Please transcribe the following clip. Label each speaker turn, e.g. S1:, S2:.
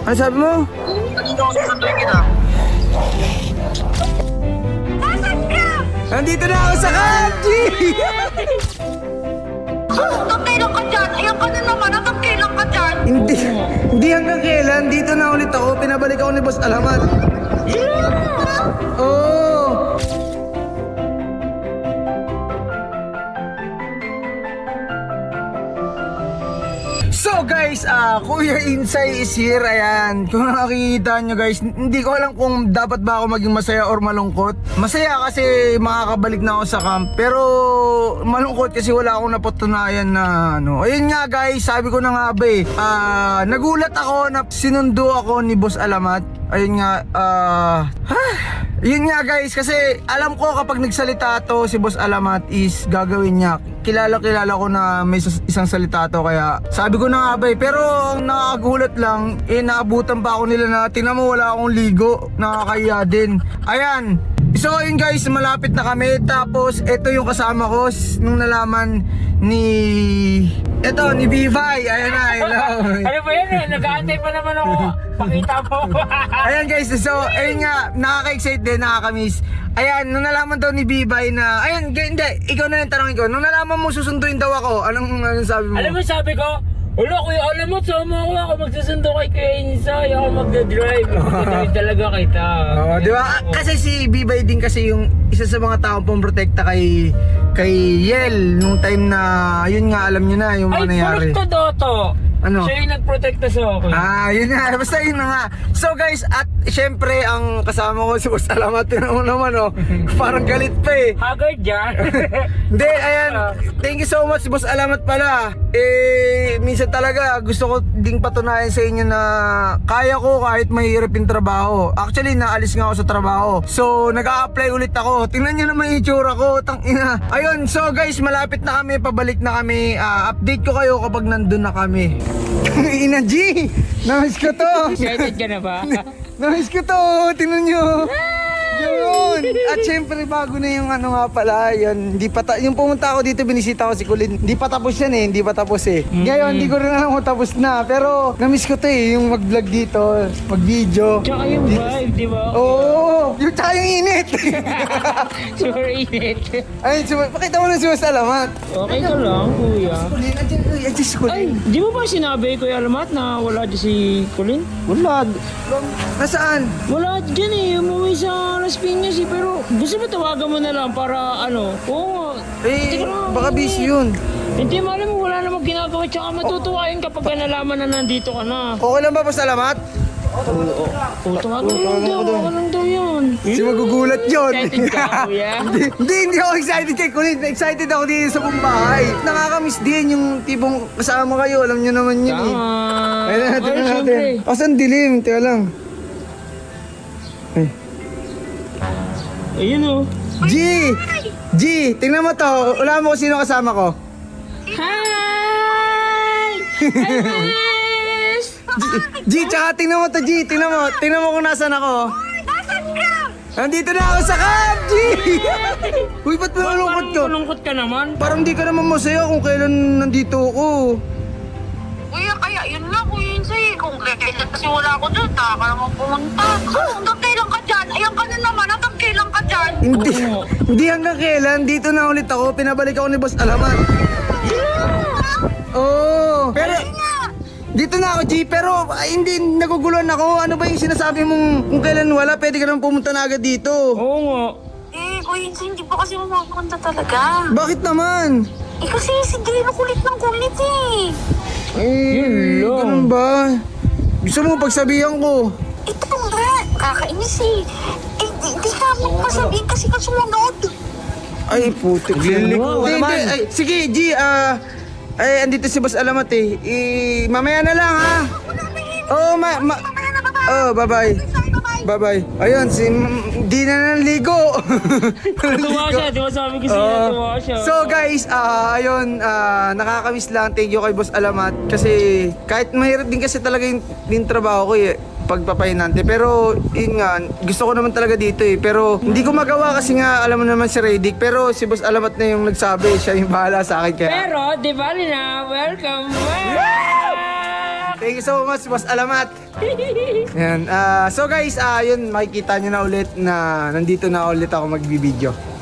S1: Ano sabi mo?
S2: Nandito ako susunduin kita.
S1: Nandito na ako sa kanji!
S2: Hanggang kailan ka dyan? Ayan ka na naman, hanggang kailan ka dyan?
S1: Hindi hanggang kailan. Dito na ulit ako. Pinabalik ako ni Boss Alamat. Oh! So guys, Kuya Insay is here. Ayan, kung nakikita nyo guys, hindi ko alam kung dapat ba ako maging masaya or malungkot. Masaya kasi makakabalik na ako sa camp, pero malungkot kasi wala akong napatunayan na ano. Ayun nga guys, sabi ko na nga ba nagulat ako na sinundo ako ni Boss Alamat. Ayun nga, yun nga guys, kasi alam ko kapag nagsalita to si Boss Alamat is gagawin niya. Kilala ko na may isang salita to, kaya sabi ko na nga ba pero ang nakakagulat lang, naabutan pa ako nila na tingnan mo wala akong ligo, nakakahiya din. Ayan, so yun guys, malapit na kami. Tapos ito yung kasama ko nung nalaman ni Bivay. Ayan na, hello.
S3: Ano ba yan eh? Nag-aantay pa naman ako. Pakita mo.
S1: Ayan guys, so ayun nga, nakaka-excite din, nakaka-miss. Ayan, nung nalaman daw ni Bibay na, ayan, hindi, ikaw na lang tanongin ko. Nung nalaman mo susunduin daw ako, anong sabi mo?
S3: Alam mo sabi ko, wala kuya, alam mo, sama ako magsusundo kay Kuya Insay, ako magdadrive. Magdadrive talaga kita.
S1: Oo, di ba? Kasi si Bibay din kasi yung isa sa mga taong pumprotekta kay Yel nung time na, yun nga, alam nyo na yung mga nangyari.
S3: Ay, Doto.
S1: Ano?
S3: Siya yung nagprotekta sa akin.
S1: Yun nga, basta yun na nga. So guys, at syempre ang kasama ko si Boss Alamat, mo naman parang galit pa eh.
S3: Haggard dyan.
S1: Hindi, ayan, thank you so much Boss Alamat pala. Minsan talaga gusto ko ding patunayan sa inyo na kaya ko kahit mahirap yung trabaho. Actually, naalis nga ako sa trabaho. So, nag-a-apply ulit ako. Tingnan nyo naman yung itsura ko, tangina. Ayun, so guys, malapit na kami, pabalik na kami. Update ko kayo kapag nandun na kami. Ina G! Namiss ko to!
S3: Excited ka na ba?
S1: Namiss ko to! Tingnan nyo! Yun! At syempre bago na yung ano nga pala, yun, yung pumunta ako dito, binisita ko si Kulin. Hindi pa tapos yan eh, hindi pa tapos eh. Ngayon, hindi ko rin alam kung tapos na. Pero, namiss ko to eh, yung mag-vlog dito, mag-video.
S3: Tsaka yung vibe, di ba?
S1: Oo! Yung tsaka yung init!
S3: Super init.
S1: Ayun, pakita mo na si Boss Alamat.
S3: Okay ka lang, kuya.
S1: Kulin, andyan si Kulin.
S3: Ay, di mo ba sinabi, Kuya Alamat, na wala dyan si Colin?
S1: Wala. Nasaan?
S3: Wala dyan eh, umuwi sa Las Piñas eh, pero gusto mo tawagan mo na lang para ano? Oo.
S1: Eh, baka busy yun.
S3: Hindi mo alam, wala namang ginagawa, tsaka matutuwa yun kapag nalaman na nandito ka na.
S1: Okay lang ba, Boss Alamat?
S3: Oo, tawagan lang daw yun.
S1: Si magugulat yun.
S3: Excited ka, kuya?
S1: Hindi ako excited kay Kulin. Excited ako dito sa buong bahay. Nakakamiss din yung tipong kasama kayo. Alam nyo naman yun eh.
S3: Tama.
S1: Ayun natin
S3: Ay,
S1: natin.
S3: syempre.
S1: Asan dilim? Teka lang. Ay.
S3: Ayun o.
S1: G! Tingnan mo to. Wala mo kung sino kasama ko.
S3: Hi!
S1: G, tsaka tingnan mo to, G. Tingnan mo kung nasan ako.
S2: Nasaan ka?
S1: Nandito na ako sa camp, G! Uy, ba't malungkot ka?
S3: Malungkot ka naman.
S1: Parang di ka naman masaya kung kailan nandito ako.
S2: Kuya, kaya yun lang, Kuya Insay. Kung kailan kasi wala ako dyan, ka naman pumunta. Hanggang kailan ka dyan? Ayan ka na naman, hanggang kailan ka dyan?
S1: Hindi hanggang kailan. Dito na ulit ako. Pinabalik ako ni Boss Alamat. Oo. Pero dito na ako, G. Pero hindi naguguluhan ako. Ano ba yung sinasabi mong kung kailan wala, pwede ka naman pumunta na agad dito.
S3: Oo nga.
S2: Kuya Insay, hindi pa kasi mamapunta talaga.
S1: Bakit naman?
S2: Kasi si Dino kulit ng kulit eh.
S1: Eh,
S3: Yun lang.
S1: ganun ba? Gusto mo pagsabihan ko?
S2: Ito nga, kakainis eh. Hindi ka mo pasabihin kasi ka sumunod.
S1: Ay, putik.
S3: Wow,
S1: Hindi. Ay, sige, G. Ay, andito si Boss Alamat eh. Mamaya na lang ha. Oo, bye-bye. Bye-bye. Ayun, di na naligo.
S3: Natuwa siya, di ba sabi ko sa'yo, natuwa siya.
S1: So guys, ayun, nakakamiss lang. Thank you kay Boss Alamat. Kasi kahit mahirap din kasi talaga yung trabaho ko eh, pagpapahinante. Pero yun nga, gusto ko naman talaga dito eh. Pero hindi ko magawa kasi nga, alam mo naman si Redick. Pero si Boss Alamat na yung nagsabi, siya yung bahala sa akin. Kaya
S3: Pero, di ba na, welcome back!
S1: Thank you so much, Boss Alamat. Yan. So guys, yun, makikita nyo na ulit na nandito na ulit ako magbibideo.